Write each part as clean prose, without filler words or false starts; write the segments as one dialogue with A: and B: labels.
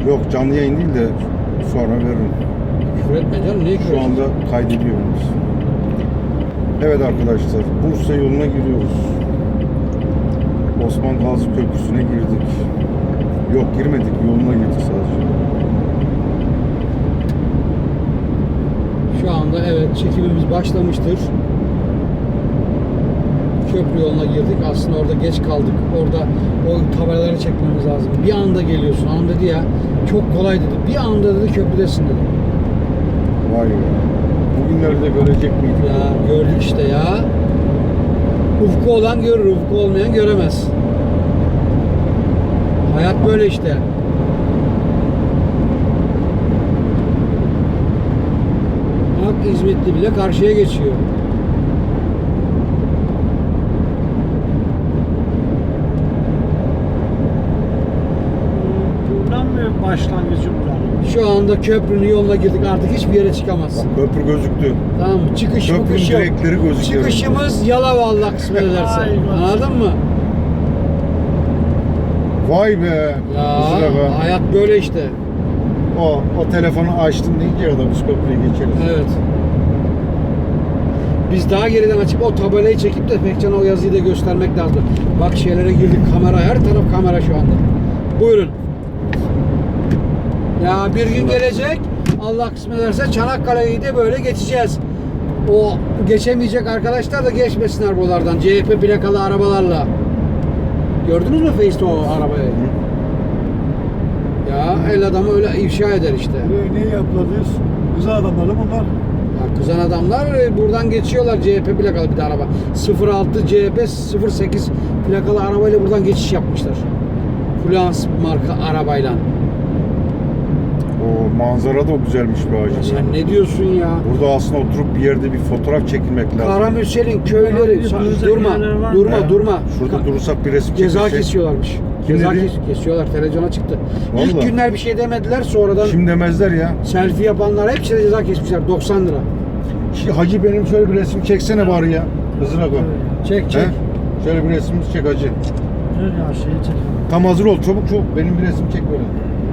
A: Yok, canlı yayın değil de sonra veririm.
B: Küfür etme canım, niye küfür
A: Şu anda kaydediyoruz. Evet arkadaşlar, Bursa yoluna giriyoruz. Osman Gazi Köprüsü'ne girdik. Yok, girmedik, yoluna girdik sadece.
B: Şu anda evet çekimimiz başlamıştır. Köprü yoluna girdik. Aslında orada geç kaldık. Orada o tabelaları çekmemiz lazım. Bir anda geliyorsun. Hanım dedi ya, çok kolay dedi. Bir anda dedi köprüdesin dedi.
A: Vay be. Bugünleri de görecek miydik?
B: Ya gördük işte ya. Ufku olan görür, ufku olmayan göremez. Hayat böyle işte. Bak İzmitli bile karşıya geçiyor.
C: Buradan mı başlangıcı buranın?
B: Şu anda köprünün yoluna girdik, artık hiçbir yere çıkamazsın.
A: Bak, köprü gözüktü.
B: Tamam mı? Çıkış
A: Köprünün
B: mıkış yok.
A: direkleri gözüküyor.
B: Çıkışımız Yalova, Allah kısmet ederse.
C: Ay,
B: Anladın mı?
A: Vay be.
B: Ya
A: Kusura be.
B: hayat böyle işte.
A: O telefonu açtım deyince ya da biz köprüye geçeriz.
B: Evet. Biz daha geriden açıp o tabelayı çekip de Pekcan'a o yazıyı da göstermek lazım. Bak şeylere girdik, kamera, her taraf kamera şu anda. Buyurun. Ya bir gün gelecek, Allah kısmet ederse Çanakkale'yi de böyle geçeceğiz. O geçemeyecek arkadaşlar da geçmesinler buralardan. CHP plakalı arabalarla. Gördünüz mü Face'te o arabayı? Ya el adamı öyle ifşa eder işte.
C: Ne yapladınız? Güzel adamlar bunlar.
B: Ya kızan adamlar buradan geçiyorlar, CHP plakalı bir de araba. 06 CHP 08 plakalı arabayla buradan geçiş yapmışlar. Fluence marka arabayla.
A: O manzara da güzelmiş be hacı.
B: Sen ne diyorsun ya?
A: Burada aslında oturup bir yerde bir fotoğraf çekilmek lazım.
B: Karamürsel'in köyleri, durma,
A: He.
B: durma.
A: Şurada durursak bir resim
B: Ceza
A: çekilsek.
B: kesiyorlarmış.
A: Kim
B: Ceza
A: dedi?
B: kesiyorlar, televizyona çıktı.
A: Vallahi.
B: İlk günler bir şey demediler, sonradan
A: Şimdi demezler ya.
B: selfie yapanlar hepsine ceza kesmişler, 90 lira.
A: Hacı benim şöyle bir resim çeksene bari ya. Hızına koy.
B: Çek çek.
A: He? Şöyle bir resim çek hacı.
C: Dur ya şeyi çek.
A: Tam hazır ol, çabuk çabuk. Benim bir resim çek böyle.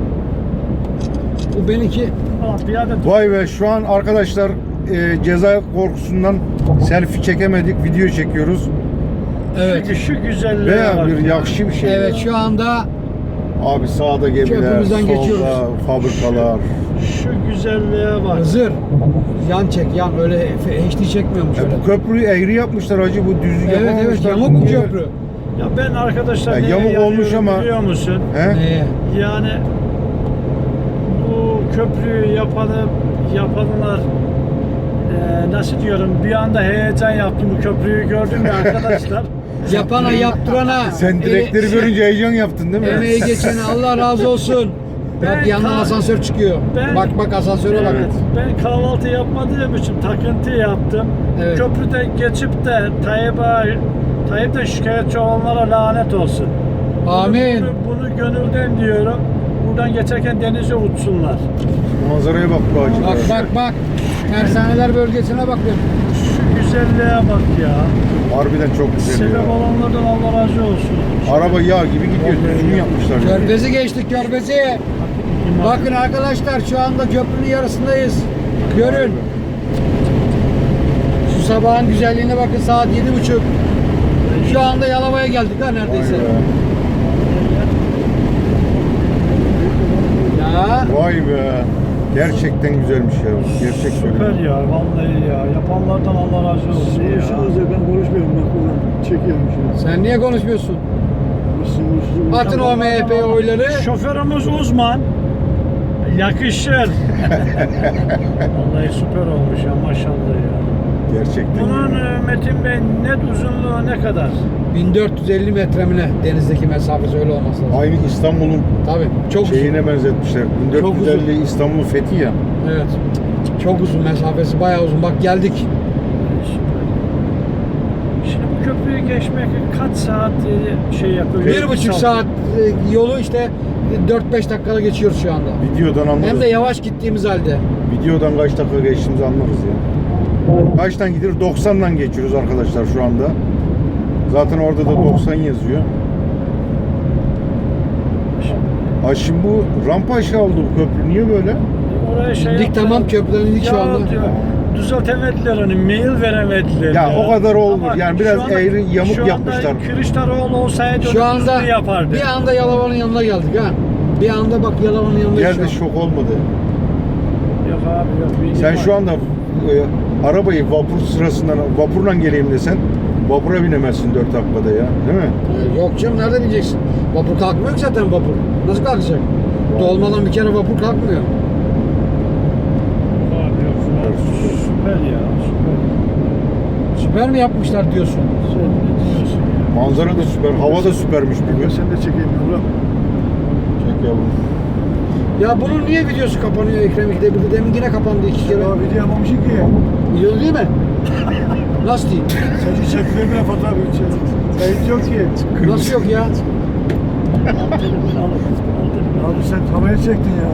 B: Bu benimki.
C: Aa, bir adet
A: Vay be, şu an arkadaşlar ceza korkusundan selfie çekemedik, video çekiyoruz.
B: Evet.
C: şu güzelliğe
A: Veya
C: bak.
A: bir yakışı bir şey.
B: Evet, şu anda
A: Abi sağda gemiler,
B: Köprümüzden
A: solda
B: geçiyoruz.
A: fabrikalar.
C: Şu güzelliğe bak.
B: Hızır. Yan çek, yan, öyle HD çekmiyormuş öyle.
A: Bu köprüyü eğri yapmışlar hacı, bu düzlük
B: Evet evet,
A: yapamamışlar.
B: yamuk bu köprü.
C: Ya ben arkadaşlar
A: Ya
C: neye
A: yamuk
C: yanıyorum
A: olmuş ama-
C: biliyor musun?
A: He?
B: Neye?
C: Yani bu köprüyü yapanlar nasıl diyorum, bir anda heyecan yaptım bu köprüyü gördüm ya arkadaşlar.
B: Yapana, yaptırana.
A: Sen direkleri görünce heyecan yaptın değil mi?
B: Emeği geçene Allah razı olsun. Bak
C: Ben
B: yandan
C: kal-
B: asansör çıkıyor.
C: Ben-
B: Bak asansöre bak.
C: Evet, ben kahvaltı yapmadığım için takıntı yaptım.
B: Evet.
C: Köprüden geçip de Tayyip'ten şikayetçi olanlara lanet olsun.
B: Amin.
C: Bunu gönülden diyorum. Buradan geçerken denize uçsunlar.
A: Manzaraya bak bu hacı.
B: Bak bak bak. Tersaneler bölgesine bak.
C: Şu güzelliğe bak ya.
A: Harbiden çok güzel
C: Sebep
A: ya.
C: olanlardan Allah razı olsun.
A: Araba yağ gibi gidiyor, düzgün yapmışlar. ya.
B: Körfezi geçtik, Körfezi. Bakın arkadaşlar, şu anda köprünün yarısındayız. Görün. Şu sabahın güzelliğine bakın, saat 7:30. Şu anda Yalova'ya geldik ha neredeyse.
A: Vay be.
B: Ya
A: Vay be. Gerçekten güzelmiş ya. Gerçek
C: Süper
A: söylüyorum.
C: ya, vallahi ya. Yapanlardan Allah razı olsun ya.
D: Ben konuşmuyorum, bak çekiyorum şimdi.
B: sen niye konuşmuyorsun? Atın o MHP oyları.
C: Şoförümüz uzman. Yakışır. Vallahi süper olmuş ya, maşallah ya.
A: Gerçekten.
C: Bunun Metin Bey net uzunluğu ne kadar?
B: 1450 metre mi ne? Denizdeki mesafesi, öyle olması lazım.
A: Aynı İstanbul'un
B: Tabii. Çok uzun.
A: şeyine benzetmişler.
B: Çok
A: 1450 İstanbul fethi ya.
B: Evet. Çok uzun mesafesi, bayağı uzun. Bak geldik.
C: Şimdi bu köprüyü geçmek kaç saat şey yapıyor?
B: 1,5 saat yolu işte 4-5 dakikada geçiyoruz şu anda.
A: Videodan anlarız.
B: Hem de yavaş gittiğimiz halde.
A: Videodan kaç dakika geçtiğimizi anlarız ya. Kaçtan gidiyor? 90'dan geçiyoruz arkadaşlar şu anda. Zaten orada da 90 yazıyor. Ha şimdi bu rampa aşağı oldu bu köprü. Niye böyle?
C: Oraya şey
B: İndik
C: yaptılar.
B: tamam, köprüden indik şu
C: Ya
B: anda.
C: diyor, düzeltemediler onu, mail veremediler.
A: Ya o kadar olur.
C: Ama
A: Yani biraz
C: şu anda-
A: eğri, yamuk
C: şu anda
A: yapmışlar.
C: Kılıçdaroğlu olsaydı
B: Şu
C: onu
B: anda
C: düzgün yapardı.
B: bir anda Yalova'nın yanına geldik ha. Bir anda bak Yalova'nın yanına
A: Geldi şok olmadı.
C: Yok abi yok. bir
A: Sen
C: ihtimal.
A: şu anda arabayı vapur sırasından vapurla geleyim desen vapura binemezsin 4 dakikada ya. Değil mi?
B: Yok canım, nerede bineceksin? Vapur kalkmıyor ki zaten vapur. Nasıl kalkacak? Dolmadan bir kere vapur kalkmıyor.
C: Abi yok. Süper ya. Süper.
B: Süper mi yapmışlar diyorsun?
C: Sen ne diyorsun ya?
A: Manzara da süper. Hava da süpermiş bugün.
D: Sen de çekeyim yavrum.
A: Çek yavrum.
B: Ya bunun niye videosu kapanıyor Ekrem İkide bir de? Demin yine kapandı 2 kere.
D: Ya video yapmamışsın ki.
B: Video değil mi? Nasıl değil?
D: Sen çektiğin bile fotoğraf için. Kayıt yok ki.
B: Nasıl yok ya?
D: Abi sen havaya çektin ya.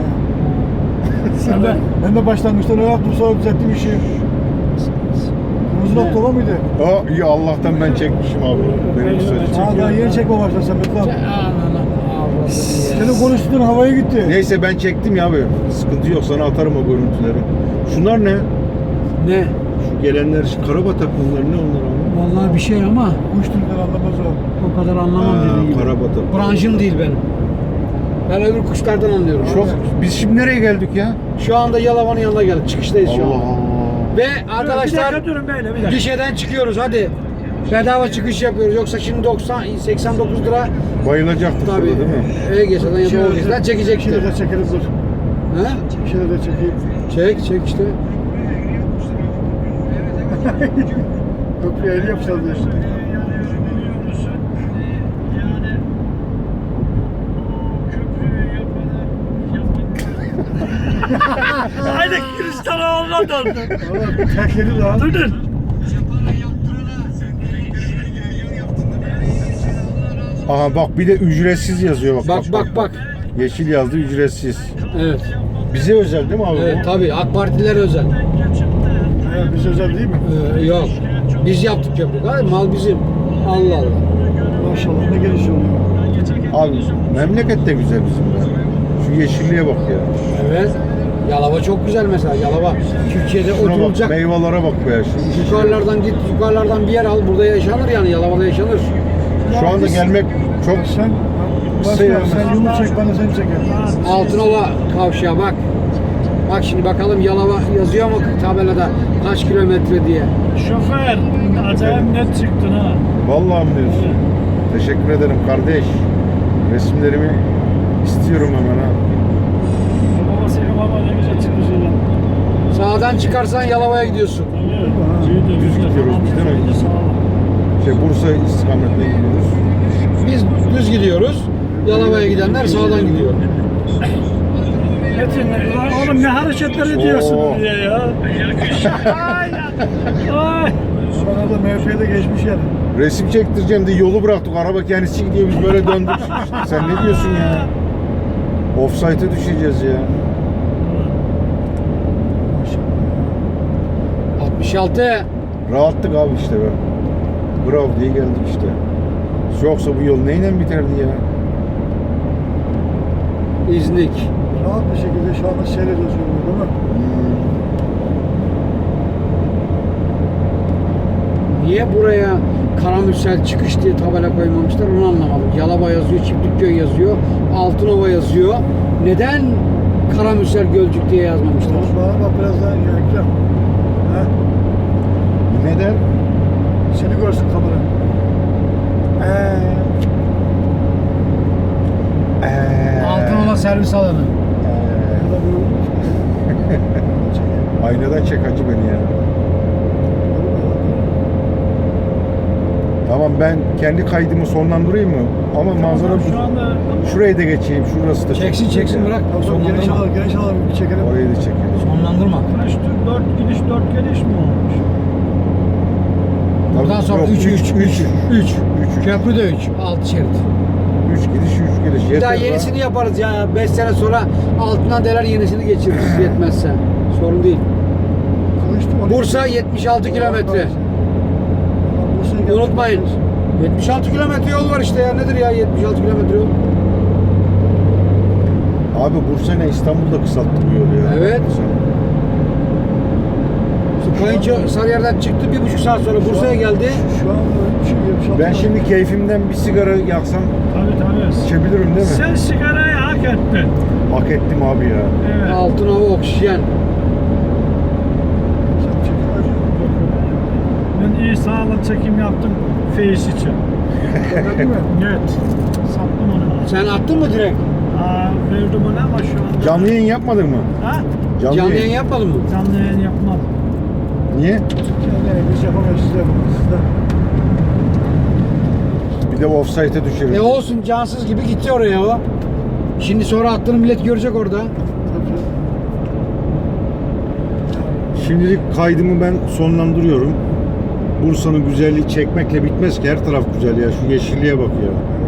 D: Ben de başlangıçta ne yaptım sonra düzelttim işi. Kırmızı nokta var mıydı?
A: Aa iyi Allah'tan ben çekmişim abi. Benim söyleyeceğim.
D: Aa daha yeni çekme başladın sen Metin abi.
B: Anana avradım ya.
D: Senin konuştuğun havaya gitti.
A: Neyse ben çektim ya abi. Sıkıntı yok, sana atarım o görüntüleri. Şunlar ne?
B: Ne?
A: Şu gelenler karabatak bunlar, ne onlar abi?
B: Vallahi bir şey ama
D: Kuş türünden anlamaz o.
B: o kadar anlamam
A: Ha,
B: dediğim gibi.
A: karabatak.
B: Branşım değil benim. Ben öbür kuşlardan anlıyorum.
A: Çok, biz şimdi nereye geldik ya?
B: Şu anda Yalova'nın yanına geldik. Çıkıştayız şu
A: Allah
B: anda.
A: Allah.
B: Ve
C: Bir
B: arkadaşlar
C: dakika durun böyle bir dakika.
B: gişeden çıkıyoruz hadi. Bedava çıkış yapıyoruz. Yoksa şimdi 89 lira
A: Bayılacaktık
B: tabii
A: burada değil mi?
B: E-Geçeden ya da O-Geçeden
D: Bir
B: çekecektir.
D: şeyler de çekeriz dur.
B: He?
D: Bir şeyler de çekeyim.
B: Çek işte.
D: Köprüye el yapacağız diye.
C: Haydi Kılıçdaroğlu'na döndü.
D: Valla terk edin lan.
C: Durdun.
A: Aha bak bir de ücretsiz yazıyor bak.
B: Bak.
A: Yeşil yazdı, ücretsiz.
B: Evet.
A: Bize özel değil mi abi?
B: Evet
A: bu?
B: tabii AK Partiler özel.
D: Evet, biz özel değil mi?
B: Yok. Biz yaptık köprü. Hayır, mal bizim. Allah Allah.
D: Maşallah ne geliş oluyor.
A: Abi memleket de güzel bizim ya. Şu yeşilliğe bak ya.
B: Evet. Yalova çok güzel mesela. Yalova Türkiye'de
A: Şuna bak,
B: oturulacak.
A: meyvelere bak be.
B: Yukarılardan git, yukarılardan bir yer al. Burada yaşanır yani. Yalova'da yaşanır.
A: Şu anda gelmek çok
D: Sen
A: Kısa yani.
D: sen yumruk çek bana seni çekerim.
B: Altınova kavşağı bak. Bak şimdi bakalım Yalova yazıyor mu tabelada kaç kilometre diye.
C: Şoför, acayip net çıktın ha.
A: vallahi mi diyorsun? Teşekkür ederim kardeş. Resimlerimi istiyorum hemen ha.
C: Baba senin baba ne güzel çıkmış ulan.
B: Sağdan çıkarsan Yalova'ya gidiyorsun.
A: Düz gidiyoruz biz değil mi? Bursa istikametine gidiyoruz.
B: Biz düz gidiyoruz. Yalova'ya gidenler sağdan gidiyor.
C: Metin, oğlum ne hareketler ediyorsun
A: Oo.
C: diye ya. Ay. Ay.
D: Bana da MHP'de geçmiş yani.
A: Resim çektireceğim diye yolu bıraktık. Araba kendisi gidiyor, biz böyle döndük. Sen ne diyorsun ya? Offside'e düşeceğiz ya.
D: Maşallah.
B: 66.
A: Rahattık abi işte be. Bravo diye geldik işte. Yoksa bu yol neyle biterdi ya?
B: İznik.
D: Rahat bir şekilde şu anda seyrediyoruz yolunu değil mi?
B: Niye buraya Karamürsel çıkış diye tabela koymamışlar onu anlamadım. Yalova yazıyor, Çiftlikköy yazıyor, Altınova yazıyor. Neden Karamürsel Gölcük diye yazmamışlar?
D: Oğlum bana bak biraz daha Ekrem. Ha?
A: Neden?
D: Seni görsün kamera.
B: Altınova servis alanı.
A: Aynadan çek hacı beni ya. Tamam ben kendi kaydımı sonlandırayım mı? Ama manzara
C: Şu anda
A: şurayı da geçeyim. Şurası da çok
B: Çeksin
A: güzel
B: çeksin
A: ya.
B: bırak.
D: Tamam geniş
B: Sonlandırma.
D: alalım, geniş alalım bir çekelim.
A: Orayı da çekelim.
B: Sonlandırma.
C: kaç 4 gidiş 4 geliş mi olmuş?
B: Buradan sonra
A: Yok,
B: 3
A: üç.
B: Köprü de 3. 6 şerit.
A: 3 gidiş 3 geliş.
B: Bir daha
A: Yeter
B: yenisini
A: be.
B: yaparız ya. 5 sene sonra altından deler yenisini geçiririz yetmezse. Sorun değil. Bursa 76 kilometre. Unutmayın. 76 kilometre yol var işte ya. Nedir ya 76 kilometre yol?
A: Abi Bursa ne İstanbul'da kısalttı bu yolu ya.
B: Evet. Kayınço Sarıyer'den çıktı, 1,5 saat sonra Bursa'ya geldi.
D: Şu an
A: Ben şimdi keyfimden bir sigara yaksam
C: Tabii.
A: içebilirim değil mi?
C: Sen sigarayı hak ettin.
A: Hak ettim abi ya.
C: Evet.
B: Altın hava oksijen.
C: Ben iyi sağlık çekim yaptım Face için.
D: Değil mi?
C: Evet. Sattım onu.
B: Sen attın mı direkt?
C: Verdim ona ama şu anda...
A: Canlı yayın yapmadın mı?
C: Ha?
B: Canlı yayın yapmadın mı?
C: Canlı yayın yapmam.
A: Niye?
D: Yani biz yapamayız, siz de yapamayız. Siz de.
A: Bir de offside'e düşeriz.
B: Olsun, cansız gibi gitti oraya o. Şimdi sonra attığını millet görecek orada.
D: Tabii.
A: Şimdilik kaydımı ben sonlandırıyorum. Bursa'nın güzelliği çekmekle bitmez ki, her taraf güzel ya. Şu yeşilliğe bak ya.